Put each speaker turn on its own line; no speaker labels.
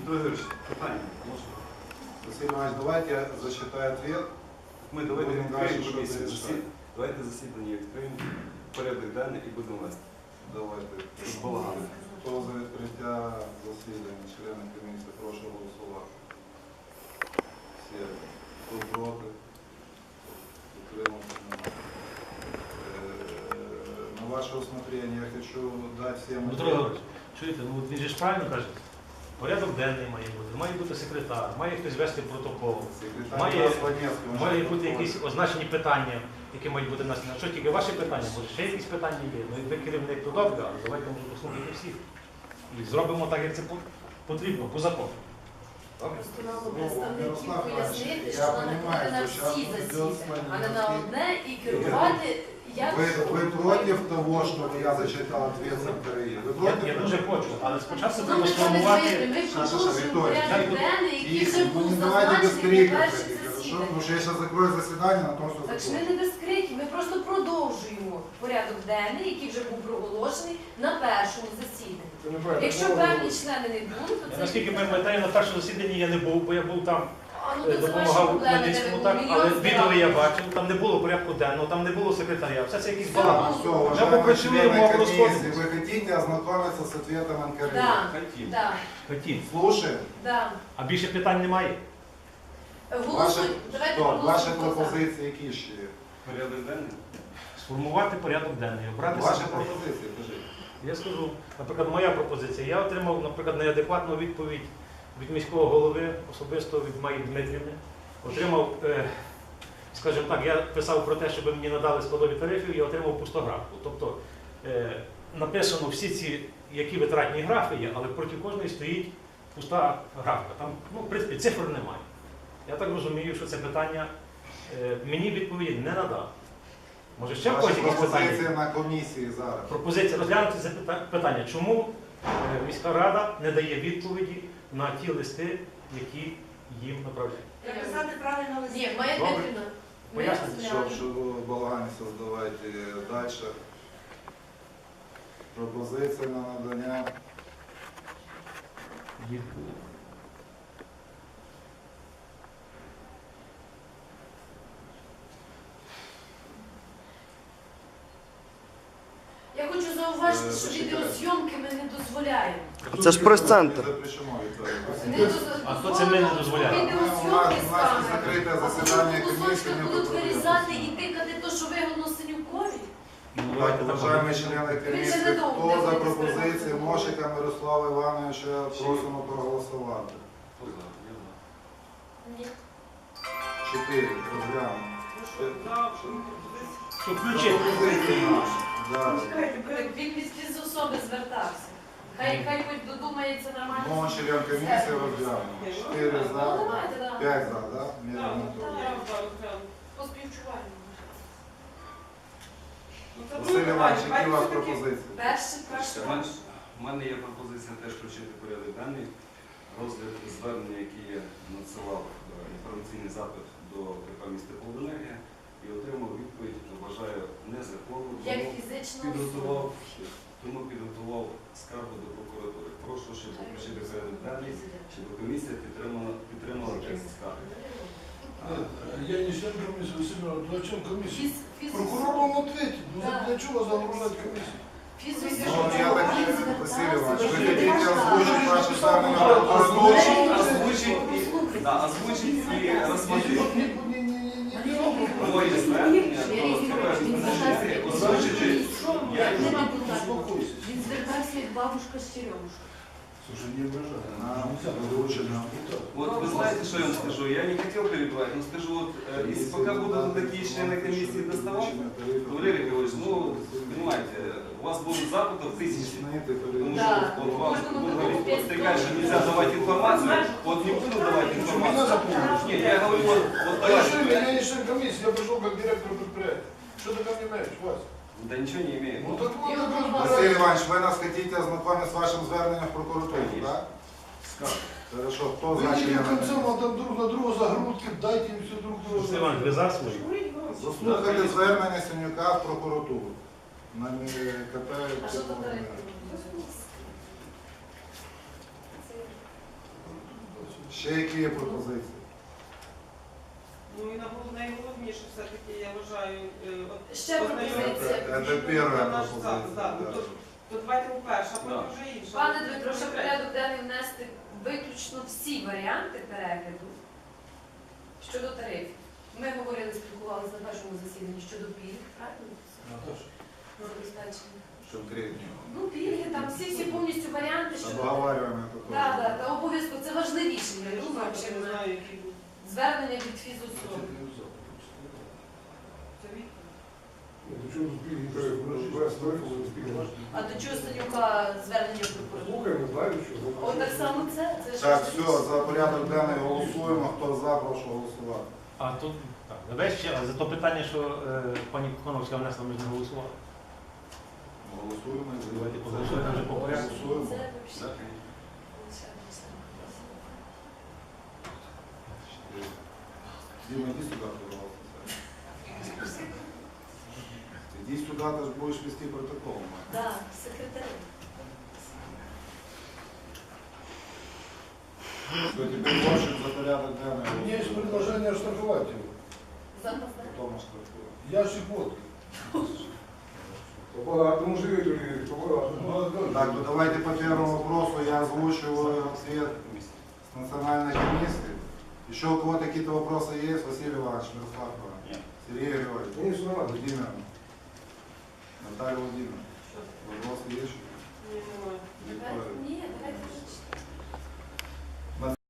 Дмитро Ігорович, питання можна?
Василий Иванович, давайте я зачитаю ответ.
Ми давайте
Будемо
відкриємо
далі,
комісію.
що ви
Давайте засідання відкриємо, порядок денний і будемо вести.
Давайте.
Без балагану.
Хто за відкриття засідання, члени комісії, прошу голосувати. Всі. Хто проти? Утримався? На ваше усмотрение я хочу дать всем...
Дмитро Ігорович, чуєте, ну він же ж правильно каже, порядок денний має бути секретар, має хтось вести протокол, має бути якісь означені питання, які мають бути наслідні. Що тільки ваші питання, може ще якісь питання є, ну і ви керівник, то добре, але давайте може послухати всіх. І зробимо так, як це потрібно, по закону.
Просто нам представників пояснити, що вона приходить на всі засідання, а не на одне і керувати, як...
Вы против того, чтобы я зачитал ответ секретаря? Вы против?
Я дуже хочу, але спочатку
Ну,
треба
ми
сформувати.
ми продовжуємо порядок денний, який
И
вже був
не давайте без
зазначений
криков,
на перше
хорошо?
засідання.
Потому что я сейчас закрою заседание на том, что
Так що
закрою.
ми не без криків, ми просто продовжуємо порядок денний, який вже був проголошений на першому засіданні. Якщо певні члени не були, то це...
Наскільки пам'ятаю, на першому засіданні я не був, бо я був там,
А, ну, то це ваші
допомагав
проблеми,
Хмельницькому,
де
так,
ви
але
були.
відео я бачив, там не було порядку денного, там не було секретаря, все це якийсь балаган.
Все,
Ми
уважаемые
попрацюємо,
члены
а
комиссии,
розходимося.
вы хотите ознакомиться с ответом НКРЕ?
Да,
Хотім.
да,
Хотів.
Слушаем.
да.
А більше питань немає.
Голосуй, давайте
Що, ваші
проголосуємо. хто за.
пропозиції які ще є?
Порядок денний?
Сформувати порядок денний, обрати
Ваші
секретаря.
пропозиції, кажіть.
Я скажу, наприклад, моя пропозиція. Я отримав, наприклад, неадекватну відповідь від міського голови, особисто від Майї Дмитрівни. Отримав, скажімо так, я писав про те, щоб мені надали складові тарифів, я отримав пустографку. Тобто написано всі ці, які витратні графи є, але проти кожної стоїть пуста графка. Там, ну, в принципі, цифр немає. Я так розумію, що це питання мені відповіді не надав. Може ще в когось
Ваші
якісь
пропозиції
питання?
на комісії зараз.
Пропозиція розглянути це питання. Чому міська рада не дає відповіді на ті листи, які їм направляють?
Написати правильно лист.
Ні, Майя
Добре.
Дмитрівна, ми
Поясніть,
розглянули.
Щоб балаган не создавайте далі. Пропозиція на надання.
Відповіді.
Я хочу зауважити, що відеозйомки ми не дозволяємо.
Це ж прес-центр.
Запрещено, Вікторія.
А хто це ми не дозволяє?
Відеозйомки з
У нас закрите
камери.
засідання
А потім
комісії,
кусочки
не
будуть
потрібно.
вирізати і тикати то, що вигодно Синюкові.
Ну,
Так,
давайте так
уважаємо
робити.
члени комісії,
Він же
хто
не
за
буде
пропозиції
сприймати.
Мошика Мирослава Івановича просимо проголосувати.
Хто за? Я за.
Ні.
4. Розглянемо.
Що включити?
Да.
Він від особи звертався. Хай хоч додумається нормально.
Мова член комісії розглянемо. 4
Ну,
за,
давайте, да.
5 за, да? Мірно.
Поспівчуваємо.
Василь Іванович, які у вас пропозиції?
Перше.
У мене є пропозиція теж включити порядок денний. Розгляд звернення, яке я надсилав інформаційний запит до КП «Міста Полденергія» і отримав відповідь, вважаю, незаконну.
Як фізична
Підготував,
особа.
тому підготував скаргу до прокуратури. Прошу, щоб включити порядок денний, щоб комісія підтримала текст скарги.
Я не член комиссии, Василий Иванович, ну о чем комиссия?
Фіз-
Прокурор вам ответит, ну
Да.
для чего загружать комиссию?
Ну, я так, Василь Иванович, вы хотите озвучить ваши звернення на прокуратуру?
Озвучить і розподілити.
Вот не беру прокурор.
Моє звернення до озвучити.
Успокойся.
Він звертався як бабушка з черемушка.
Слушай, не обижай.
Нам
Нельзя
вручено.
Вот вы знаете, что я вам скажу? Я не хотел перебивать, но скажу, вот, если пока будут такие члены комиссии доставать, то Валерий Григорьевич, ну, понимаете, у вас будут запытов тысячи. Потому
Да.
что вот вам будут говорить, вот ты говоришь, что нельзя давать информацию, вот не буду давать
Меня
информацию.
запомнишь.
Нет, я говорю, вот
А я что,
давайте.
я не член комиссии, я пришел как директор предприятия. Что ты ко мне имеешь, Вася?
Да ничего не имеет.
Ну так вот, как
Василь
разбирайся.
Иванович, ви нас хотите ознакомить з вашим зверненням в прокуратуру,
Конечно.
так? Хорошо, хто
Вы
за
не
члени
до конца
комісії?
там друг на друга загрудки, дайте им все друг
Василь
друга.
Іванович, ви за свої?
Заслухайте звернення Синюка в прокуратуру. На КП.
А що тут директор?
Ще які є пропозиції?
Ну і найголовніше все-таки, я вважаю,
Ще пропозиція.
Це перша
наш
пропозиція.
запис. Да.
Да.
То давайте у перше, а потім
Да.
вже інше.
Пане Дмитро, щоб в порядок денний внести виключно всі варіанти перегляду щодо тарифів. Ми говорили, спілкувалися на першому засіданні щодо пільг, правильно?
Наташа.
Забезпечення.
Конкретні.
Ну, пільги, там всі повністю варіанти щодо.
Обговорюємо це
Так,
теж.
так, та обов'язково це важливіше, я думаю,
Я
чим
не знаю, які будуть.
звернення від фізособи.
Це відповідь.
А до чого Санюка звернення прокуратури? От так само це ж
Так, все, за порядок денний голосуємо. Хто за, прошу голосувати.
А тут так, давай ще за то питання, що пані Коновська внесла, ми ж не голосували.
Голосуємо.
Давайте проголосуємо вже по порядку.
Голосуємо.
Це
Так.
Дима, иди сюда, пожалуйста. Иди сюда, ты же будешь вести протокол.
Так, секретарі.
Все, теперь больше за порядок денный.
У меня есть предложение оштрафовать его.
Запас, так?
Потом оштрафуем.
Ящик водки.
Побагато живуть, побагато.
Молодой.
Так, ну давайте по первому вопросу я озвучиваю ответ с национальной комиссии. Еще у кого-то какие-то вопросы есть? Василий Иванович, Мирослав Иванович,
Нет.
Сергей Григорьевич,
Ні, все нормально.
Владимир, Наталья Владимировна.
Що?
Вопросы есть?
Ні, немає.
Виктория.
Ні, давайте вже